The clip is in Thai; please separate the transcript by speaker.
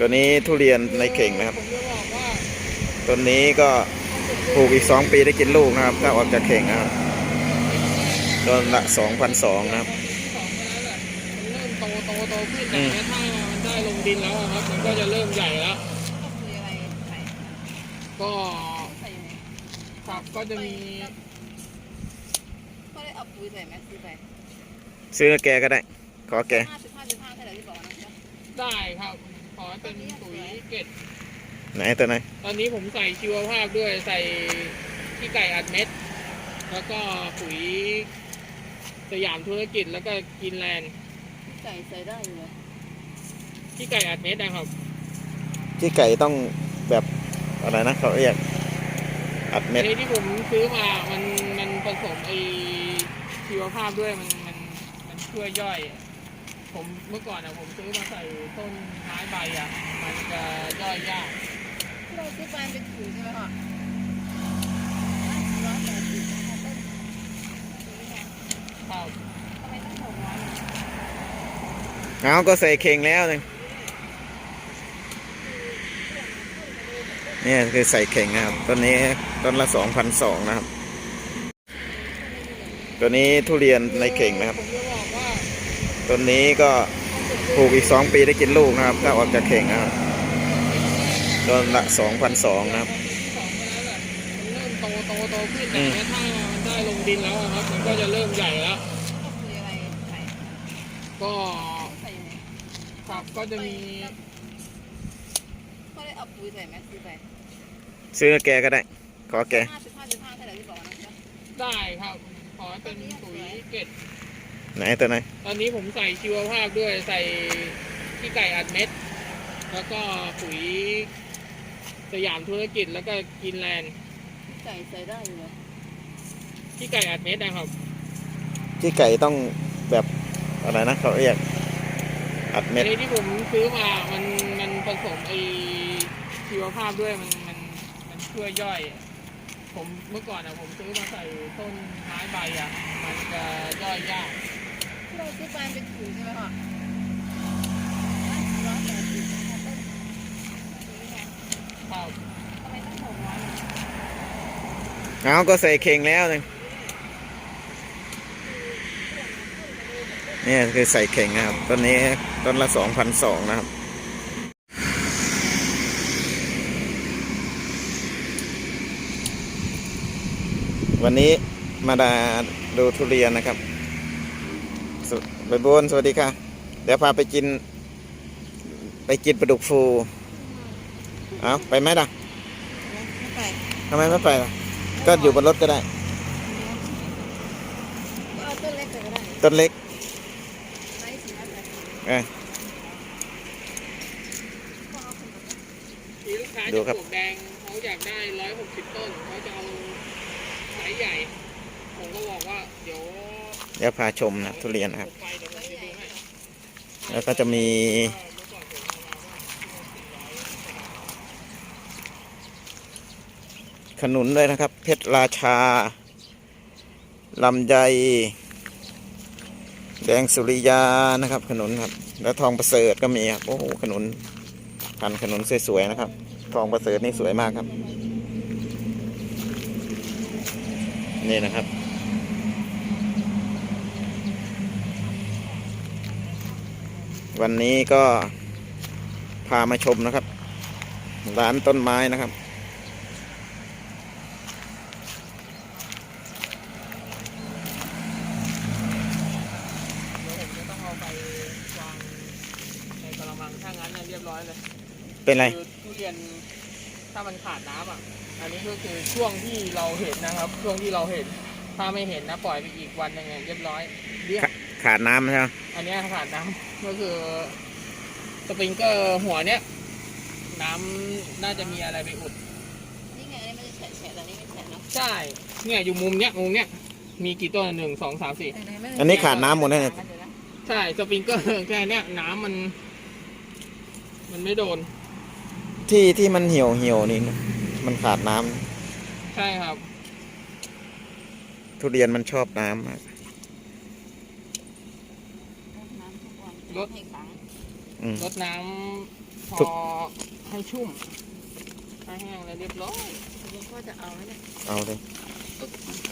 Speaker 1: ตัวนี้ทุเรียนในเข่งนะครับตัวนี้ก็ปลูกอีก2 ปีได้กินลูกนะครับถ้าออกจากเข่งนะครับต้นละ 2,200 นะครับ
Speaker 2: เริ่มโตขึ้นแต่ถ้ามันได้ลงดินแล้วครับมันก็จะเริ่มใหญ่แล้วก็ครับก็จะมี
Speaker 3: ก็ได้เอาปุ๋ยใส่ไหมซื้อไป
Speaker 1: ซื้อแกก็ได้ขอแก
Speaker 3: 15.5เท่าไหร่ที่บอกนะ
Speaker 2: ได้ครับขอเป็นปุ๋ยเกล็ด
Speaker 1: ไหนตัวไหน
Speaker 2: ตอนนี้ผมใส่ชีวภาพด้วยใส่ขี้ไก่อัดเม็ดแล้วก็ปุ๋ยสยามธุรกิจแล้วก็กินแลนด์
Speaker 3: ไก่ใส่ได้อยู่เลย
Speaker 2: ขี้ไก่อัดเม็ดนะครับ
Speaker 1: ที่ไก่ต้องแบบอะไรนะเขาเรียกอัดเม็ด
Speaker 2: ที่ผมซื้อมามันผสมไอชีวภาพด้วยมันช่วยย่อยผมเมื่อก่อนผมซื้อมาใส่ต้นไม้ใบมันจะย่อยยาก
Speaker 3: เราซื้อไปเป็นถุงใช่ไหมคะ
Speaker 2: ครับ
Speaker 3: ทำไมต้อง600
Speaker 1: เอาก็ใส่เข่งแล้วนึงนี่คือใส่เข่งนะครับต้นนี้ต้นละ 2,200 นะครับตัวนี้ทุเรียนในเข่งนะครับต้นนี้ก็ปลูกอีก2 ปีได้กินลูกนะครับถ้าออกจากเข่งนะครับต้นละ 2,200 นะครับ
Speaker 2: เริ่มโตขึ้นแต่ถ้ามันได้ลงดินแล้วครับมันก็จะเริ่มใหญ่แล้วก็ครับก็จะมี
Speaker 3: ก็ได้เอาปุ๋ยใส่ไหมซื้อไป
Speaker 1: ซื้อแกก็ได้ขอแก
Speaker 3: 15.5เท่าไหร่ที่บอกนะ
Speaker 2: ได้ครับขอเป็นปุ๋ยเกล็ด
Speaker 1: ไหนตัวไหน
Speaker 2: ตอนนี้ผมใส่ชีวภาพด้วยใส่ขี้ไก่อัดเม็ดแล้วก็ปุ๋ยสยามธุรกิจแล้วก็กินแลนด์
Speaker 3: ไก่ใส่ได้อยู่เลย
Speaker 2: ขี้ไก่อัดเม็ดนะครับ
Speaker 1: ที่ไก่ต้องแบบอะไรนะเขาเรียกอัดเม็ด
Speaker 2: ที่ผมซื้อมามันผสมไอชีวภาพด้วยมันช่วยย่อยผมเมื่อก่อนผมซื้อมาใส่ต้นไม้ใบมันจะย่อยยาก
Speaker 3: เราซื้อไปเป็นถุงใช่ไหมคะ
Speaker 2: ครับ
Speaker 3: ทำไมต้อง600
Speaker 1: เอาก็ใส่เข่งแล้วนึงนี่คือใส่เข่งนะครับต้นนี้ต้นละ 2,200 นะครับวันนี้มาดูทุเรียนนะครับใบบุญสวัสดีค่ะเดี๋ยวพาไปกินปลาดุกฟูเอาไปไหมล่ะ
Speaker 3: ไม่ไป
Speaker 1: ทำไมไม่ไปล่ะก็อยู่บนรถก็ได้
Speaker 3: เอาต้นเล็กก็ได้
Speaker 1: ต้นเล็ก
Speaker 2: ดูครับแดงเขาอยากได้160 ต้นเขาจะเอาสายใหญ่ผมก็บอกว่าเดี๋ยว
Speaker 1: พาชมนะทุเรียนนะครับแล้วก็จะมีขนุนด้วยนะครับเพชรราชาลำไยแดงสุริยานะครับขนุนครับแล้วทองประเสริฐก็มีครับโอ้โหขนุนพันขนุนสวยๆนะครับทองประเสริฐนี่สวยมากครับนี่นะครับวันนี้ก็พามาชมนะครับร้านต้นไม้นะครับ
Speaker 2: ถ้างั้นเรียบร้อยเลย
Speaker 1: เป็นไร
Speaker 2: ทุเรียนถ้ามันขาดน้ำอันนี้ก็คือช่วงที่เราเห็นนะครับช่วงที่เราเห็นถ้าไม่เห็นนะปล่อยไปอีกวันยังไงเรียบร้อย
Speaker 1: ขาดน้ำใช่ไหม
Speaker 2: อันนี้ขาดน้ำก็คือสปริงเกอร์หัวเนี้ยน้ำน่าจะมีอะไรไปอุด
Speaker 3: นี่ไงนี่มันจะแฉะแต่นี่ไม่แฉะเนาะ
Speaker 2: ใช่เนี่ยอยู่มุมเนี้ยมีกี่ต้น1 2 3 4
Speaker 1: อันนี้ขาดน้ำหมดเลย
Speaker 2: ใช่สปริงเกอร์แค่เนี้ยน้ำมันไม่โดน
Speaker 1: ที่มันเหี่ยวนี่มันขาดน้
Speaker 2: ำใช่ครับ
Speaker 1: ทุเรียนมันชอบน้ำ
Speaker 2: รดน้พ
Speaker 1: ทุ
Speaker 2: อก ให้ชุ่มให้แห้งแล้วเรียบร้อย
Speaker 3: หลวงพ่อจะเอาไหมเนี่ย
Speaker 1: เอาเลย
Speaker 3: เ